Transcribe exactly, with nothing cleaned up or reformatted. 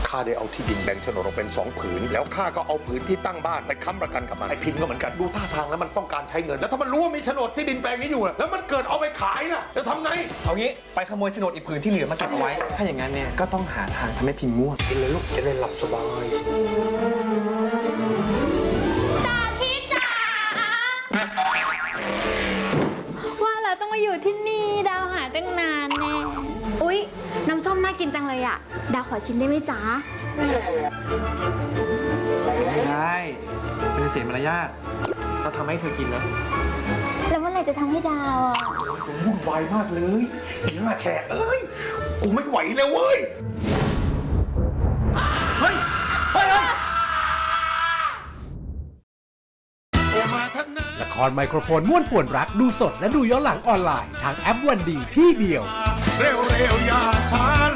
ข้าได้เอาที่ดินแบ่งโฉนดออกเป็นสองผืนแล้วข้าก็เอาผืนที่ตั้งบ้านไปค้ำประกันกับมันไอ้พินก็เหมือนกันดูท่าทางแล้วมันต้องการใช้เงินแล้วถ้ามันรู้ว่ามีโฉนดที่ดินแปลงนี้อยู่แล้วมันเกิดเอาไปขายนะจะทำไงเอางี้ไปขโมยโฉนดอีกผืนที่เหลือมาเก็บเอาไว้ถ้าอย่างนั้นเนี่ยก็ต้องหาทางทำให้พินง่วงกินเลยลูกจะได้หลับสบายจ่าที่จ๋าว่าแล้วต้องมาอยู่ที่นี่ดาวหาตั้งนานแน่อุ๊ยน้ำส้มน่ากินจังเลยอ่ะดาวขอชิมได้ไหมจ๊ะไม่ได้เป็นเสียมารยาทเราทำให้เธอกินนะแล้วเมื่อไหร่จะทำให้ดาวอ่ะวุ่นวายมากเลยหน้าแขกเอ้ยกูไม่ไหวแล้วเว้ยเฮ้ยเฮ้ยละครไมโครโฟนม่วนป่วนรักดูสดและดูย้อนหลังออนไลน์ทางแอปวันดีที่เดียวเร็วๆอย่าช้า